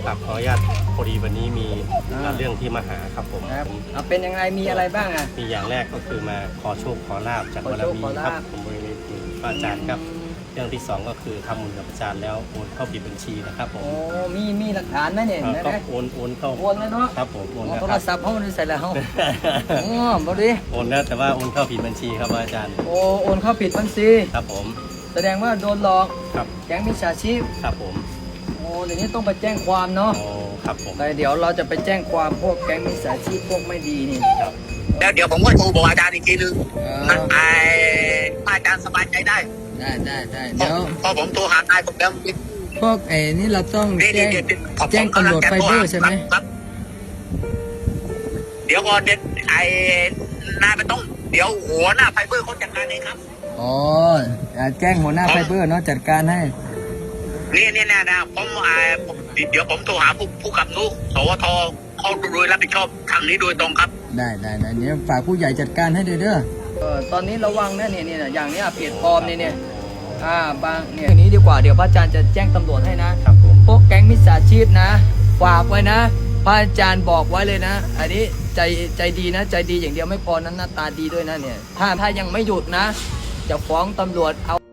ครับขออนุญาตพอดีวันนี้มีเรื่องที่มาหาครับผมครับเป็นยังไงมีอะไรบ้างอ่ะมีอย่างแรกก็คือมาขอโชคขอลาบจากบารมีครับผมบริเวณพระอาจารย์ครับเรื่องที่สองก็คือทำบุญกับอาจารย์แล้วโอนเข้าผิดบัญชีนะครับผมโอ้มีหลักฐานไหมเนี่ยก็โอนเข้าโอนเลยเนาะครับผมโอนแล้วโทครรับศัพท์เขาไม่ได้ใส่แล้วอ๋อบดีโอนแล้วแต่ว่าโอนเข้าผิดบัญชีครับอาจารย์โอนเข้าผิดบัญชีครับผมแสดงว่าโดนหลอกครับแก๊งมิจฉาชีพครับผมเดี๋ยวนี้ต้องไปแจ้งความเนาะโอ้ครับผมแต่เดี๋ยวเราจะไปแจ้งความพวกแก๊งมิจฉาชีพพวกไม่ดีนี่ครับแล้วเดี๋ยวผมก็โทรบอกอาจารย์อีกทีนึงอาจารย์สบายใจได้ได้เดี๋ยวพอผมโทรหานายผมแล้วพวกนี่เราต้องนี่แจ้งตำรวจไฟเบอร์ใช่ไหมครับเดี๋ยวก่อนนายไม่ต้องเดี๋ยวหัวหน้าไฟเบอร์เขาจัดการเองครับอ๋อแจ้งหัวหน้าไฟเบอร์เนาะจัดการให้นี่นะผมเดี๋ยวผมโทรหาผู้กำกับสวทเขาโดยรับผิดชอบทางนี้โดยตรงครับได้เดี๋ยวฝากผู้ใหญ่จัดการให้เด้อตอนนี้ระวังนะเนี่ยอย่างเนี้ยเพจปลอมเนี่ยบางเนี่ยอย่างนี้ดีกว่าเดี๋ยวพระอาจารย์จะแจ้งตำรวจให้นะครับผมพวกแก๊งมิจฉาชีพนะฝากไว้นะพระอาจารย์บอกไว้เลยนะ อันนี้ใจดีนะใจดีอย่างเดียวไม่พอนั้นหน้าตาดีด้วยนะเนี่ยถ้ายังไม่หยุดนะจะฟ้องตำรวจเอา